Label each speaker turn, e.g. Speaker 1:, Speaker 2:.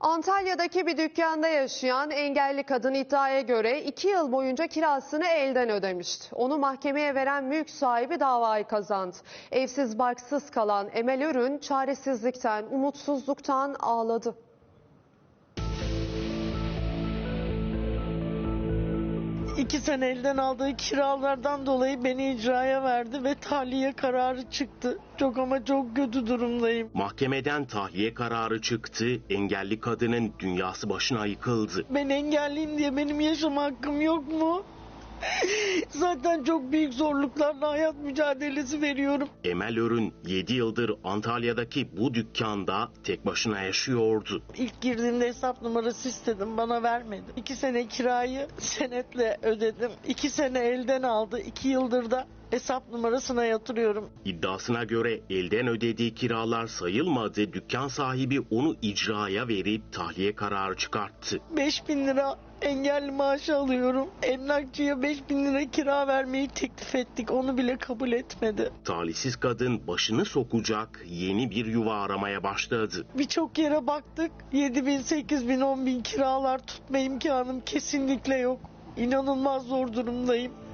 Speaker 1: Antalya'daki bir dükkanda yaşayan engelli kadın iddiaya göre 2 yıl boyunca kirasını elden ödemişti. Onu mahkemeye veren mülk sahibi davayı kazandı. Evsiz barksız kalan Emel Örün çaresizlikten, umutsuzluktan ağladı.
Speaker 2: İki sene elden aldığı kiralardan dolayı beni icraya verdi ve tahliye kararı çıktı. Çok ama çok kötü durumdayım.
Speaker 3: Mahkemeden tahliye kararı çıktı, engelli kadının dünyası başına yıkıldı.
Speaker 2: Ben engelliyim diye benim yaşama hakkım yok mu? Zaten çok büyük zorluklarla hayat mücadelesi veriyorum.
Speaker 3: Emel Örün 7 yıldır Antalya'daki bu dükkanda tek başına yaşıyordu.
Speaker 2: İlk girdiğimde hesap numarası istedim, bana vermedi. 2 sene kirayı senetle ödedim. 2 sene elden aldı. 2 yıldır da hesap numarasına yatırıyorum.
Speaker 3: İddiasına göre elden ödediği kiralar sayılmadı. Dükkan sahibi onu icraya verip tahliye kararı çıkarttı.
Speaker 2: 5.000 lira engelli maaşı alıyorum. Emlakçıya 5.000 lira kira vermeyi teklif ettik. Onu bile kabul etmedi.
Speaker 3: Talihsiz kadın başını sokacak yeni bir yuva aramaya başladı.
Speaker 2: Birçok yere baktık. 7.000, 8.000, 10.000 kiralar tutma imkanım kesinlikle yok. İnanılmaz zor durumdayım.